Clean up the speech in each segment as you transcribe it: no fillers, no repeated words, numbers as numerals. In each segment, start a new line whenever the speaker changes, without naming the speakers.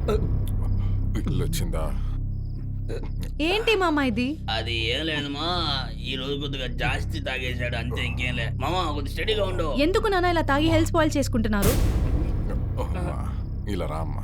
ఇల్లు వచ్చిందా?
ఏంటి మామ ఇది?
అది ఏం లేదమ్మా, ఈ రోజు కొద్దిగా జాస్తి తాగేశాడు అంతే, ఇంకేం లే. మామ కొద్దిగా స్టడీగా ఉండు.
ఎందుకు నాన్న ఇలా తాగి హెల్త్ స్పాయిల్ చేసుకుంటున్నారు?
అమ్మా, ఇలా రా అమ్మా.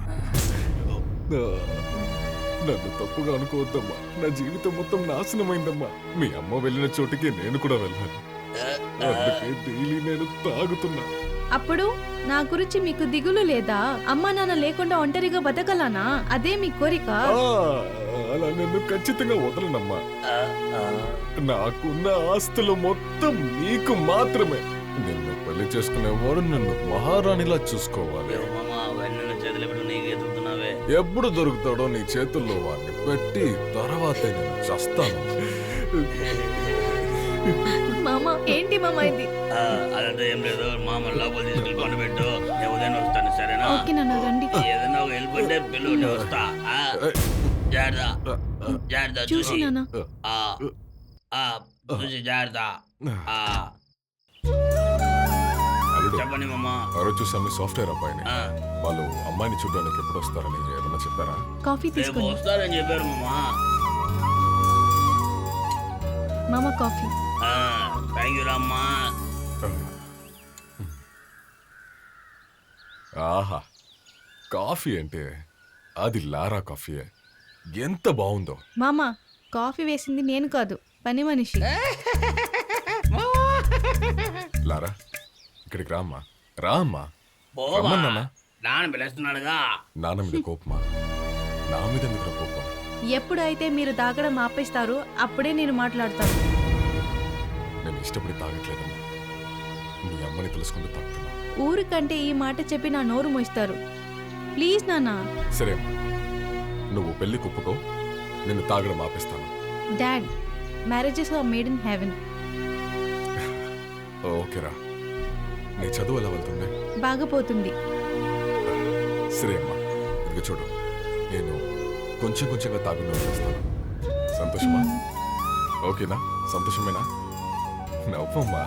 నన్ను తప్పుగా అనుకోవద్దమ్మా. నా జీవితం మొత్తం నాశనమైందమ్మా. మీ అమ్మ వెళ్ళిన చోటికి నేను కూడా వెళ్ళాను. అందుకే డైలీ నేను తాగుతున్నా.
అప్పుడు నా గురించి మీకు దిగులు లేదా? అమ్మా నాన్న లేకుండా ఒంటరిగా బతకలానా? అదే మీ కోరిక?
అలా నన్ను ఖచ్చితంగా వదలనమ్మా. నాకున్న ఆస్తులు మొత్తం నీకు మాత్రమే. నిన్ను పెళ్లి చేసుకునేవాడు నిన్ను మహారాణిలా చూసుకోవాలి. ఎప్పుడు దొరుకుతాడో నీ చేతుల్లో వాడిని పెట్టి తర్వాతే నేను చస్తాను.
మామ ఏంటి మామ ఇది?
అదంతా ఏం లేదు, మామ లోపల తీసుకెళ్ళి పండుబెట్టు, నేను ఉదయం వస్తాను, సరేనా?
ఓకే నాన్న, రండి.
ఏదైనా ఒక హెల్ప్ అంటే పిల్లలు నేను వస్తా. జాగ్రత్త జాగ్రత్త,
చూసి
చూసి
నాన్న.
చూసి జాగ్రత్త.
అల్లుడు,
చెప్పండి మామ.
ఆ రోజు చూసాము సాఫ్ట్వేర్ అబ్బాయిని. వాళ్ళు అమ్మాయిని చూడడానికి ఎప్పుడు వస్తారని ఏమన్నా చెప్పారా?
కాఫీ
రేపు
తీసుకోండి
వస్తారని చెప్పారు మామ.
మామ కాఫీ.
థ్యాంక్ యూ రామ్మా.
ఆహా, కాఫీ అంటే అది లారా కాఫీయే. ఎంత బాగుందో.
మామ కాఫీ వేసింది నేను కాదు, పని మనిషి.
లారా, ఇక్కడికి రామ్మా. రామ్మా.
పోవా,
రమ్మన్నానా?
నాన్న పిలుస్తున్నాడుగా.
నాన్న మీద కోపమా? నా మీద ఎందుకు కోపం?
ఎప్పుడైతే మీరు తాగడం ఆపేస్తారో అప్పుడే నేను మాట్లాడతాను.
నేను ఇష్టపడి తాగట్లేదమ్మా. నీ అమ్మని తెలుసుకుంటూ తాగుతున్నా.
ఊరికంటే ఈ మాట చెప్పి నా నోరు మోస్తారు. ప్లీజ్ నాన్న.
సరే అమ్మా, నువ్వు పెళ్లి కుప్పుకో, నిన్ను తాగడం ఆపేస్తాను.
Dad, marriages are made in heaven.
ఓకేరా. నీ చదువు ఎలా వెళ్తుంది?
బాగపోతుంది.
సరే అమ్మా, ఇదిగో చూడు, నేను కొంచెం కొంచెంగా తాగుతూ చేస్తాను. సంతోషమా? ఓకేనా? సంతోషమేనా? నవ్వమ్మా.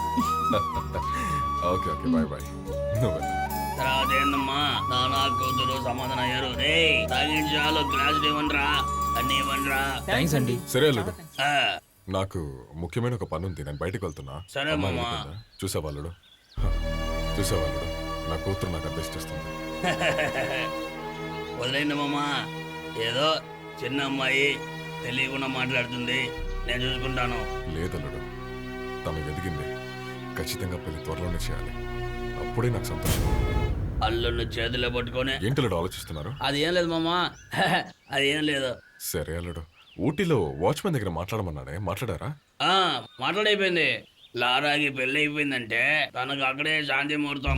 Okay okay, bye bye. నువ్వు
తర్వాత ఏందమ్మా, నాన్న కూతురు సమాధానం అయ్యారు. రే తాగించాలు, గ్లాసులు ఇవ్వండిరా, అన్ని ఇవ్వండిరా.
థ్యాంక్స్ అండి.
సరే అల్లుడు,
ఆ,
నాకు ముఖ్యమైన ఒక పని ఉంది, నేను బయటకు వెళ్తున్నా.
సరే మామ.
చూసావాళ్ళుడు, నా కూతురు నాకు అడ్వైస్ చేస్తుంది.
వదిలేండి మామ, ఏదో చిన్న అమ్మాయి తెలియకుండా మాట్లాడుతుంది, నేను చూసుకుంటాను.
లేదల్లుడు, తను ఎదిగింది. ఖచ్చితంగా పెళ్లి త్వరలోనే చేయాలి. అప్పుడే నాకు సంతోషం.
అల్లుడిని చేతిలో పట్టుకొని
ఏంటల్లుడు ఆలోచిస్తున్నారు?
అది ఏం లేదు మామ. అది ఏం లేదు.
సరే అల్లుడు, ఊటీలో వాచ్మెన్ దగ్గర మాట్లాడమన్నాడే, మాట్లాడారా?
మాట్లాడైపోయింది. లారాకి పెళ్లి అయిపోయిందంటే తనకు అక్కడే శాంతి ముహూర్తం.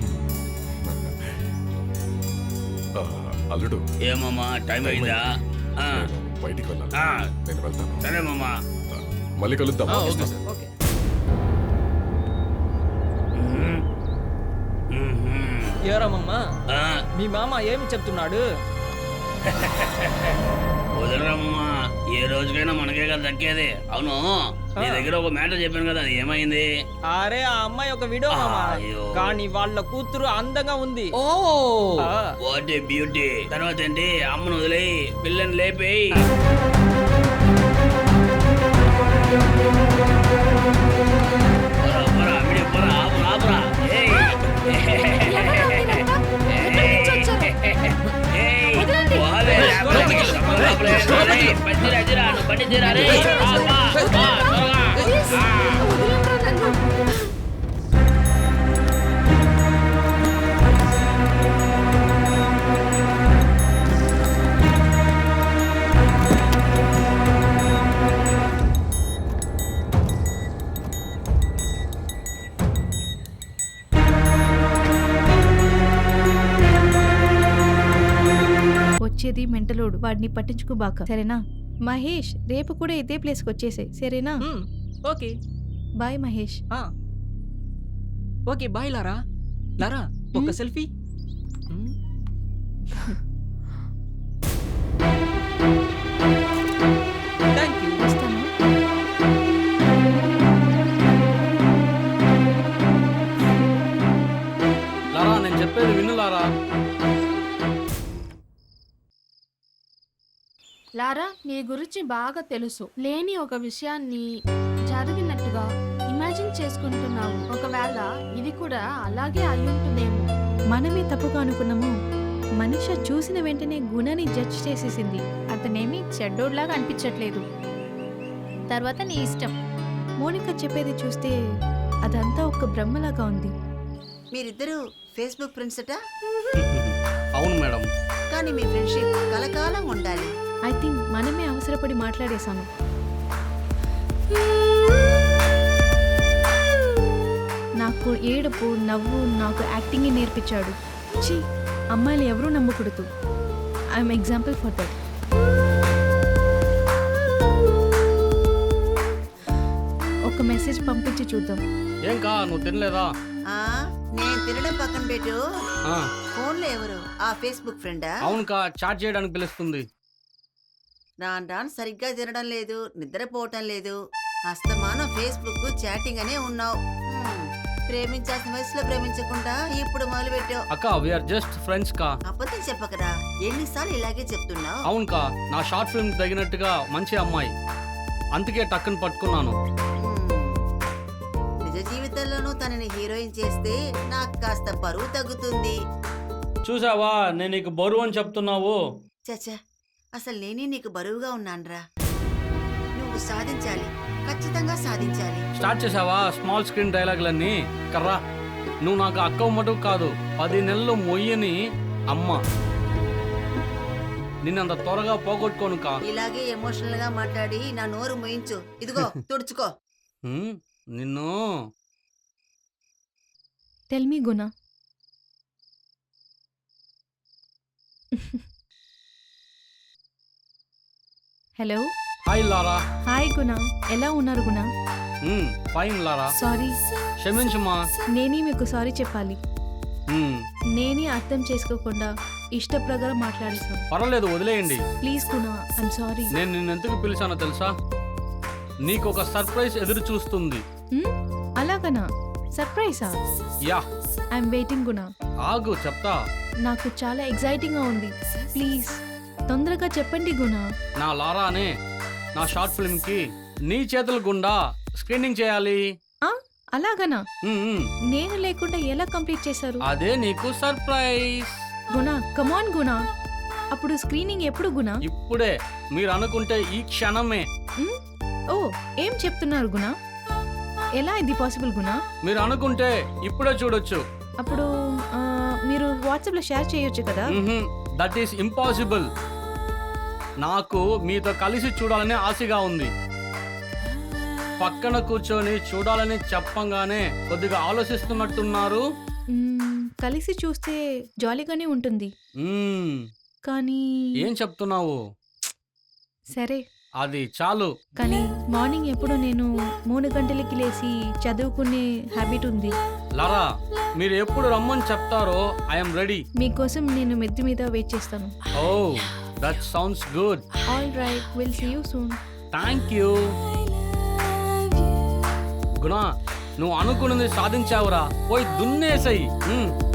అల్లుడు,
ఏమమ్మా టైం అయిందా?
నేను బయటికి వెళ్ళాలి. నేను వెళ్తాను.
సరే మామా,
మళ్ళీ కలుద్దాం.
ఓకే. ఎవరమ్మా మీ మామ ఏమి చెప్తున్నాడు?
వదలరామమ్మా, ఏ రోజుకైనా మనకే కదా దక్కేది. అవును, నీ దగ్గర ఒక మ్యాటర్ చెప్పాను కదా, అది ఏమైంది?
అరే ఆ అమ్మాయి ఒక విడో మామా, కానీ వాళ్ళ కూతురు అందంగా ఉంది.
Oh what a beauty. తర్వాత ఏంటి, అమ్మను వదిలేయి, పిల్లని లేపేయి.
వచ్చేది మెంటలోడు, వాడిని పట్టించుకోబాక, సరేనా? మహేష్, రేపు కూడా ఇదే ప్లేస్కి వచ్చేసాయి, సరేనా?
Okay
bye Mahesh.
Okay bye Lara. Lara ఒక సెల్ఫీ. Thank you.
వస్తాను.
లారా, నేను చెప్పేది విను లారా. లారా, నీ గురించి బాగా తెలుసు. లేని ఒక విషయాన్ని జరిగినట్టుగా ఇమాజిన్ చేసుకుంటున్నావు. ఒకవేళ ఇది కూడా అలాగే అయ్యుంటుందేమో.
మనమే తప్పుగా అనుకున్నాము. మనిష చూసిన వెంటనే గుణని జడ్జ్ చేసేసింది.
అతనేమి చెడ్డోడ్లాగా అనిపించట్లేదు. తర్వాత నీ ఇష్టం.
మోనిక చెప్పేది చూస్తే అదంతా ఒక బ్రహ్మలాగా ఉంది.
మీరిద్దరూ ఫేస్బుక్ ఫ్రెండ్స్ అట.
అవును మేడం.
కానీ మీ ఫ్రెండ్షిప్ కలకాలం ఉండాలి.
ఐ థింక్ మనమే అవసరపడి మాట్లాడేశాము. నాకు ఏడుపు నవ్వు నాకు యాక్టింగ్ నేర్పించాడు. ఛీ, అమ్మాయిలు ఎవరూ నమ్మకూడదు. I'm example for that. ఒక మెసేజ్ పంపించి చూద్దాం.
ఏం కా నువ్వు తినలేదా?
ఆ నేను తినడం పక్కన పెట్టు.
ఆ,
ఫోన్లో ఎవరు? ఆ ఫేస్బుక్ ఫ్రెండా?
అవును కా, చాట్ చేయడానికి పిలుస్తుంది.
రాను సరిగ్గా తినడం లేదు, నిద్రపోవటం లేదు. అస్తమానం ఫేస్బుక్ చాటింగ్ అనే ఉన్నావు. ప్రేమించాల్సిన వయసులో ప్రేమించకుండా ఇప్పుడు మొదలు పెట్టావు.
అక్క వీఆర్ జస్ట్ ఫ్రెండ్స్ కా.
అబద్ధం చెప్పకరా, ఎన్నిసార్లు ఇలాగే చెప్తున్నావు?
అవును కా, నా షార్ట్ ఫిల్మ్ తగినట్టుగా మంచి అమ్మాయి, అందుకే టక్కుని పట్టుకున్నాను.
నిజ జీవితంలోనూ తనని హీరోయిన్ చేస్తే నాకు కాస్త బరువు తగ్గుతుంది.
చూసావా, నేను నీకు బరువు అని చెప్తున్నావు.
చచ్చా, అసలు నేనే నీకు బరువుగా ఉన్నానురా. నువ్వు సాధించాలి, ఖచ్చితంగా సాధించాలి.
స్టార్ట్ చేసావా స్మాల్ స్క్రీన్ డైలాగులన్నీ? కర్రా, నువ్వు నాకు అక్క మటుకు కాదు, 10 నెలలు మొయ్యని అమ్మ. నిన్నంత త్వరగా పోగొట్టుకోను కా.
ఇలాగే ఎమోషనల్ గా మాట్లాడి నా నోరు మోయించు. ఇదిగో తుడుచుకో.
నిన్ను
టెల్ మీ గుణ. హలో.
Hi Lara.
హాయ్ గుణ, ఎలా ఉన్నారు గుణ?
ఫైన్ లారా.
సారీ,
క్షమించమ్మా.
నేనే మీకు సారీ చెప్పాలి. నేనే అర్థం చేసుకోకుండా ఇష్ట ప్రకారం మాట్లాడేశాను.
పర్వాలేదు, వదిలేయండి.
ప్లీజ్ గుణ, ఐమ్ సారీ.
నేను నిన్ను ఎందుకు పిలిచానో తెలుసా? నీకు ఒక సర్ప్రైజ్ ఎదురు చూస్తుంది.
అలాగనా? సర్ప్రైజా?
Yeah,
I'm waiting Guna.
ఆగు చెప్తా.
నాకు చాలా ఎక్సైటింగ్ గా ఉంది. ప్లీజ్ తొందరగా చెప్పండి గుణ.
నా లారానే నా షార్ట్ ఫిల్మ్ కి నీ చేతుల గుండా స్క్రీనింగ్ చేయాలి.
అలాగనా? నేను లేకుండా ఎలా కంప్లీట్ చేశారు?
అదే నీకు సర్ప్రైజ్.
గుణ, కమాన్ గుణ. అప్పుడు స్క్రీనింగ్ ఎప్పుడు గుణ?
ఇప్పుడే, మీరు అనుకుంటే ఈ క్షణమే.
ఓ, ఏం చెప్తున్నారు గుణ? ఎలా ఇది పాసిబుల్ గుణ?
మీరు అనుకుంటే ఇప్పుడే చూడొచ్చు.
అప్పుడు మీరు వాట్సాప్ లో షేర్ చేయొచ్చు కదా?
That is impossible. నాకు మీతో కలిసి చూడాలనే ఆశగా ఉంది. పక్కన కూర్చొని చూడాలని చెప్పంగానే కొద్దిగా ఆలోచిస్తున్నట్టున్నారు.
కలిసి చూస్తే జాలీగానే ఉంటుంది. కానీ
ఏం చెప్తున్నావు?
సరే,
అది చాలు.
కానీ మార్నింగ్ ఎప్పుడు నేను 3 గంటలకి లేచి చదువుకునే హ్యాబిట్ ఉంది.
లారా, మీరు ఎప్పుడు రమ్మని చెప్తారో ఐఎమ్ రెడీ.
మీకోసం నేను మెద్దు మీద వెయిట్ చేస్తాను.
Oh, that sounds good.
All right, will see you soon.
Thank you. Guna, నువ్వు అనుకున్నది సాధించావురా. పోయి దున్నేసై.